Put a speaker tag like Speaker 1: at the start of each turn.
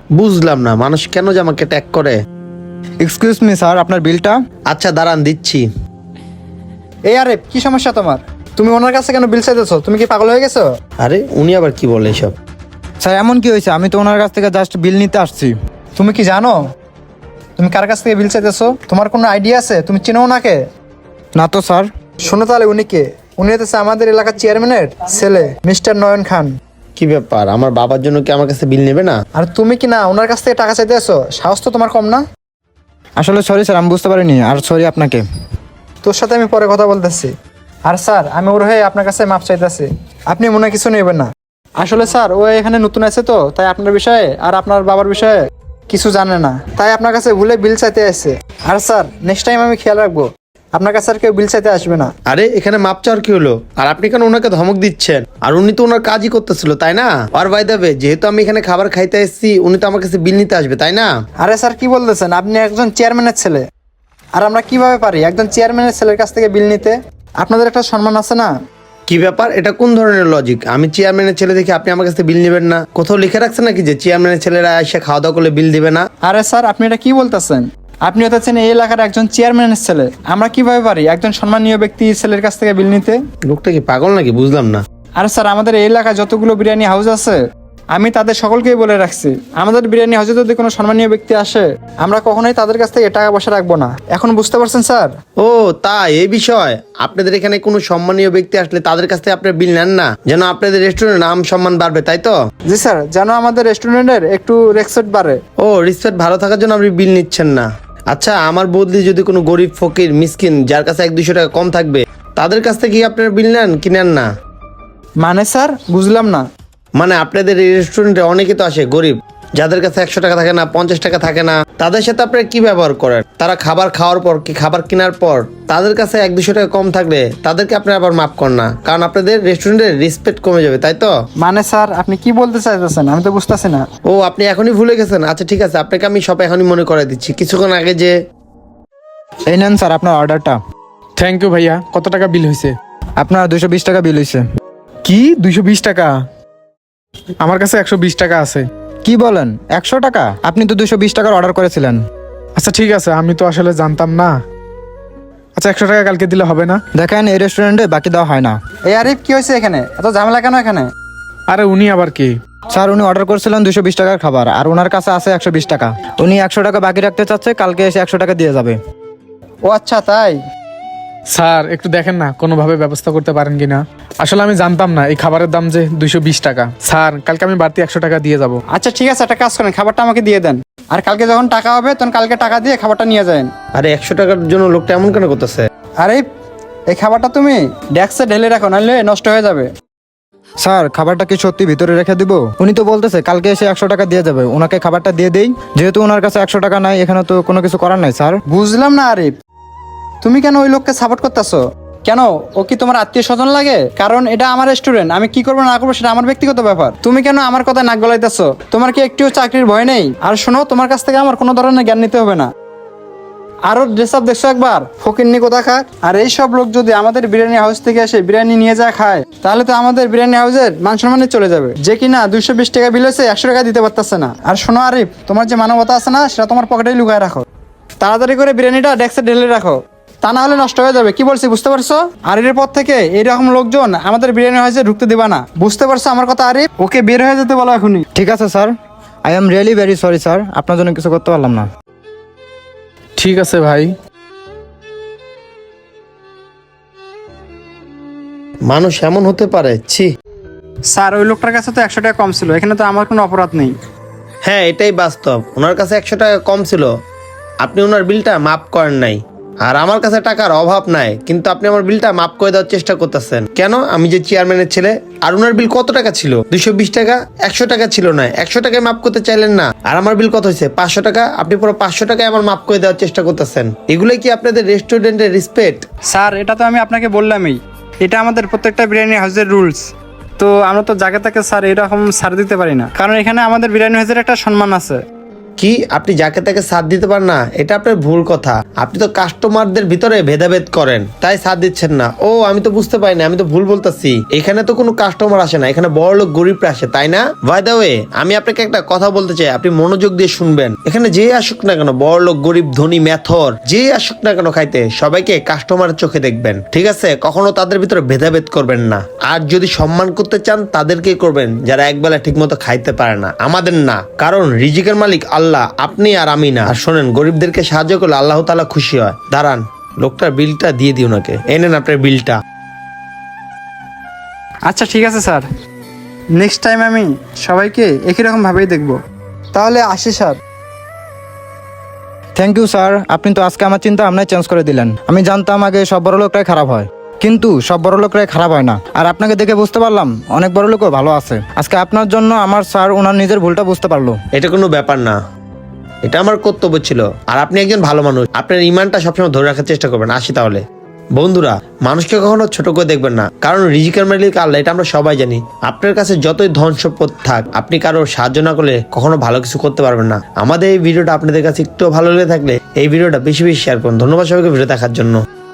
Speaker 1: বুঝলাম না মানুষ কেন যে আমাকে ট্যাগ করে।
Speaker 2: এক্সকিউজ মি স্যার, আপনার বিলটা।
Speaker 1: আচ্ছা দাঁড়ান দিচ্ছি।
Speaker 2: এই আরে কি সমস্যা তোমার? তুমি ওনার কাছে কেন বিল চাইতেছো? তুমি কি পাগল হয়ে গেছো?
Speaker 1: আরে উনি আবার কি বলে এসব?
Speaker 2: স্যার এমন কি হয়েছে? আমি তো ওনার কাছ থেকে জাস্ট বিল নিতে আসছি। তুমি কি জানো তুমি কার কাছ থেকে বিল চাইতেছো? তোমার কোনো আইডিয়া আছে? তুমি চিনো ওনাকে? না তো স্যার। শোনো তাহলে উনি কে? উনি হচ্ছে আমাদের এলাকার চেয়ারম্যানের ছেলে, মিস্টার নয়ন খান।
Speaker 1: কি ব্যাপার, আমার বাবার জন্য কি আমার কাছে বিল নেবে না?
Speaker 2: আর তুমি কি না ওনার কাছ থেকে টাকা চাইতে আসো? সাহস তো তোমার কম না? আসলে সরি স্যার, আমি বুঝতে পারিনি। আর সরি আপনাকে। তোর সাথে আমি পরে কথা বলতেছি। আর স্যার আমি ওর হয়ে আপনার কাছে মাপ চাইতেছি, আপনি মনে হয় কিছু নেবেন না। আসলে স্যার ও এখানে নতুন আছে তো, তাই আপনার বিষয়ে আর আপনার বাবার বিষয়ে কিছু জানে না, তাই আপনার কাছে ভুলে বিল চাইতে আসছে। আর স্যার নেক্সট টাইম আমি খেয়াল রাখবো আপনার কাছে আর কেউ বিল চাইতে আসবে না।
Speaker 1: আরে এখানে মাপ চাওয়ার কি হলো? আর আপনি কেন ওনাকে ধমক দিচ্ছেন? আর উনি তো ওনার কাজই করতেছিল তাই না? আর বাই দ্য ওয়ে, যেহেতু আমি এখানে খাবার খাইতে এসেছি, উনি তো আমার কাছে বিল নিতে আসবে তাই না?
Speaker 2: আরে স্যার কি বলতেছেন? আপনি একজন চেয়ারম্যানের ছেলে, আর আমরা কিভাবে পারি একজন চেয়ারম্যানের ছেলের কাছ থেকে বিল নিতে? আপনাদের একটা সম্মান আছে না?
Speaker 1: কি ব্যাপার, এটা কোন ধরনের লজিক? আমি চেয়ারম্যানের ছেলে দেখে আপনি আমার কাছে বিল নেবেন না? কোথাও লিখে রাখছেন নাকি যে চেয়ারম্যানের ছেলেরা এসে খাওয়া দাওয়া করলে বিল দিবে না?
Speaker 2: আরে স্যার আপনি এটা কি বলতেছেন? আপনি হচ্ছেন এই এলাকার একজন চেয়ারম্যানের ছেলে, আমরা কিভাবে পারি একজন সম্মানীয় ব্যক্তি ছেলের কাছ থেকে বিল নিতে?
Speaker 1: লোকটা কি পাগল নাকি? বুঝলাম না।
Speaker 2: আরে স্যার আমাদের এই এলাকায় যতগুলো বিরিয়ানি হাউস আছে, আমি তাদের সকলকেই বলে রাখছি, আমাদের বিরিয়ানি হাউসে যদি কোনো সম্মানীয় ব্যক্তি আসে, আমরা কখনোই তাদের কাছ থেকে টাকা পয়সা রাখবো না। এখন বুঝতে পারছেন স্যার?
Speaker 1: ও তাই, এই বিষয়। আপনাদের এখানে কোনো সম্মানীয় ব্যক্তি আসলে তাদের কাছ থেকে আপনারা বিল নেন না, যেন আপনাদের রেস্টুরেন্টের নাম সম্মান বাড়বে, তাই তো?
Speaker 2: জি স্যার, যেন আমাদের রেস্টুরেন্টের একটু রেসপেক্ট বাড়ে।
Speaker 1: ও রিসপেক্ট ভালো থাকার জন্য আপনি বিল নিচ্ছেন না? আচ্ছা, আমার বদলি যদি কোনো গরিব ফকির মিসকিন যার কাছে 1-200 টাকা কম থাকবে, তাদের কাছ থেকে কি আপনারা বিল নেন কি নেন না?
Speaker 2: মানে স্যার বুঝলাম না।
Speaker 1: মানে আপনাদের এই রেস্টুরেন্টে অনেকে তো আসে গরিব, যাদের কাছে 100 টাকা থাকে না, 50 টাকা থাকে না, তাদের সাথে আপনারা কি ব্যবহার করেন? তারা খাবার খাওয়ার পর কি খাবার কেনার পর তাদের কাছে 1-200 টাকা কম থাকলে তাদেরকে আপনারা আবার মাফ করেন না, কারণ আপনাদের রেস্টুরেন্টের রেসপেক্ট কমে যাবে, তাই তো?
Speaker 2: মানে স্যার আপনি কি বলতে চাইতেছেন? আমি তো বুঝতেছি না।
Speaker 1: ও আপনি এখনই ভুলে গেছেন? আচ্ছা ঠিক আছে, আপনাকে আমি সব এখনই মনে করে দিচ্ছি। কিছুক্ষণ আগে যে
Speaker 2: এই নেন স্যার আপনার অর্ডারটা।
Speaker 3: থ্যাংক ইউ ভাইয়া। কত টাকা বিল হয়েছে?
Speaker 2: আপনার 220 টাকা বিল হয়েছে।
Speaker 3: কি 220 টাকা? আমার কাছে 120 টাকা আছে।
Speaker 2: কি বলেন 100 টাকা? আপনি তো 220 টাকার অর্ডার করেছিলেন।
Speaker 3: আচ্ছা ঠিক আছে, আমি তো আসলে জানতাম না। আচ্ছা 100 টাকা কালকে দিলে হবে না?
Speaker 2: দেখেন এই রেস্টুরেন্টে বাকি দেওয়া হয় না। এই আরিফ কি হয়েছে এখানে? এত ঝামেলা কেন এখানে?
Speaker 3: আরে উনি আবার কি?
Speaker 2: স্যার উনি অর্ডার করেছিলেন 220 টাকার খাবার, আর ওনার কাছে আছে 120 টাকা। উনি 100 টাকা বাকি রাখতে চাচ্ছে, কালকে এসে 100 টাকা দিয়ে যাবে। ও আচ্ছা তাই?
Speaker 3: স্যার একটু দেখেন না কোনোভাবে ব্যবস্থা করতে পারেন কিনা। আসলে আমি জানতাম না এই খাবারের দাম যে 220 টাকা। স্যার কালকে আমি বাড়তি 100 টাকা দিয়ে যাব।
Speaker 2: আচ্ছা ঠিক আছে, একটা কাজ করেন, খাবারটা আমাকে দিয়ে দেন, আর কালকে যখন টাকা হবে তখন কালকে টাকা দিয়ে খাবারটা নিয়ে যাবেন।
Speaker 1: আরে 100 টাকার জন্য লোকটা এমন কেন করতেছে?
Speaker 2: আরে এই খাবারটা তুমি ডেস্কে ঢেলে রাখো, নাহলে নষ্ট হয়ে যাবে। স্যার খাবারটা কি সত্যি ভিতরে রেখে দিব? উনি তো বলতেছে কালকে এসে 100 টাকা দিয়ে যাবে, ওনাকে খাবারটা দিয়ে দেই। যেহেতু ওনার কাছে 100 টাকা নাই, এখানে তো কোনো কিছু করার নাই স্যার। বুঝলাম না আরিফ, তুমি কেন ওই লোককে সাপোর্ট করতেছো? কেন, ও কি তোমার আত্মীয় স্বজন লাগে? কারণ এটা আমার রেস্টুরেন্ট, আমি কি করবো না করবো সেটা আমার ব্যক্তিগত ব্যাপার। তুমি কেন আমার কথা নাক গলাইতেছো? তোমার কি একটু চাকরির ভয় নেই? আর শোনো, তোমার কাছ থেকে আমার কোনো ধরনের জ্ঞান নিতে হবে না। আরো ড্রেস আপ দেখছো একবার, ফকিন্নি কোথাকার। আর এই সব লোক যদি আমাদের বিরিয়ানি হাউস থেকে এসে বিরিয়ানি নিয়ে যা খায়, তাহলে তো আমাদের বিরিয়ানি হাউসের মান সম্মানে চলে যাবে। যে কিনা 220 টাকা বিল হয়েছে 100 টাকা দিতে পারতেছে না। আর শোনো আরিফ, তোমার যে মানবতা আছে না, সেটা তোমার পকেটেই লুকায় রাখো। তাড়াতাড়ি করে বিরিয়ানিটা ডেস্কে ঢেলে রাখো, তা না হলে নষ্ট হয়ে যাবে। কি বলছি বুঝতে পারছো? আর এর পর থেকে এইরকম লোকজন আমাদের বিরিয়ানি হাউসে ঢুকতে দিবা না, বুঝতে পারছো আমার কথা আরিফ? ওকে বের হয়ে যেতে বলো এখনই। ঠিক আছে sir, I am really very sorry sir, আপনার জন্য কিছু করতে পারলাম না।
Speaker 3: ঠিক আছে ভাই।
Speaker 1: মানুষ এমন হতে পারে? ছি।
Speaker 2: স্যার ওই লোকটার কাছে তো 100 টাকা কম ছিল, এখানে তো আমার কোনো অপরাধ নেই।
Speaker 1: হ্যাঁ এটাই বাস্তব, ওনার কাছে 100 টাকা কম ছিল, আপনি ওনার বিলটা মাফ করেন নাই। আর আমার কাছে টাকার অভাব নাই, কিন্তু আপনি আমার বিলটা মাফ করে দেওয়ার চেষ্টা করতেছেন কেন? আমি যে চেয়ারম্যানের ছেলে। আর ওনার বিল কত টাকা ছিল? 220 টাকা। 100 টাকা ছিল না, 100 টাকায় মাফ করতে চাইলেন না। আর আমার বিল কত হয়েছে? 500 টাকা। আপনি পুরো 500 টাকায় আমার মাফ করে দেওয়ার চেষ্টা করতেছেন। এগুলোই কি আপনাদের রেস্টুরেন্টের রেসপেক্ট?
Speaker 2: স্যার এটা তো আমি আপনাকে বললামই, এটা আমাদের প্রত্যেকটা বিরিয়ানি হাউসের রুলস। তো আমরা তো জায়গা থেকে স্যার এরকম ছাড় দিতে পারি না, কারণ এখানে আমাদের বিরিয়ানি হাউসের একটা সম্মান আছে।
Speaker 1: কি আপনি যাকে তাকে সাথ দিতে পারেন না? এটা আপনার ভুল কথা। আপনি তো কাস্টমারদের ভিতরে ভেদাভেদ করেন, তাই সাথ দিচ্ছেন না। ও আমি তো বুঝতে পারিনি, আমি তো ভুল বলতেছি। এখানে তো কোনো কাস্টমার আসে না, এখানে বড় লোক গরিবরা আসে, তাই না? বাই দ্য ওয়ে, আমি আপনাকে একটা কথা বলতে চাই, আপনি মনোযোগ দিয়ে শুনবেন। এখানে যে আসুক না কেন, বড় লোক গরিব ধনী মেথর, যে আসুক না কেন খাইতে, সবাইকে কাস্টমারের চোখে দেখবেন, ঠিক আছে? কখনো তাদের ভিতরে ভেদাভেদ করবেন না। আর যদি সম্মান করতে চান তাদেরকে করবেন যারা একবেলা ঠিক মতো খাইতে পারে না, আমাদের না। কারণ রিজিকের মালিক আল্লাহ, আপনি আর আমি না। আর শোনেন, গরিবদেরকে সাহায্য করলে আল্লাহ তাআলা খুশি হয়। দাঁড়ান, লোকটার বিলটা দিয়ে দিই ওনাকে। এই নেন আপনার বিলটা।
Speaker 2: আচ্ছা ঠিক আছে স্যার, নেক্সট টাইম আমি সবাইকে একই রকম ভাবেই দেখব। তাহলে আসি স্যার। থ্যাংক ইউ স্যার, আপনি তো আজকে আমার চিন্তা ভাবনায় চেঞ্জ করে দিলেন। আমি জানতাম আগে সব বড় লোকরাই খারাপ হয়, কিন্তু সব বড় লোকরাই খারাপ হয় না। আর আপনাকে দেখে বুঝতে পারলাম অনেক বড় লোকও ভালো আছে। আজকে আপনার জন্য আমার স্যার ওনার নিজের ভুলটা বুঝতে পারলো।
Speaker 1: এটা কোনো ব্যাপার না, এটা আমার কর্তব্য ছিল। আর আপনি একজন ভালো মানুষ, আপনার ইমানটা সবসময় ধরে রাখার চেষ্টা করবেন। আসি তাহলে। বন্ধুরা, মানুষকে কখনো ছোট করে দেখবেন না, কারণ রিজিকের মালিক আল্লাহ, এটা আমরা সবাই জানি। আপনার কাছে যতই ধন সম্পদ থাক, আপনি কারোর সাহায্য না করলে কখনো ভালো কিছু করতে পারবেন না। আমাদের এই ভিডিওটা আপনাদের কাছে একটু ভালো লেগে থাকলে এই ভিডিওটা বেশি বেশি শেয়ার করুন। ধন্যবাদ সবাইকে ভিডিও দেখার জন্য।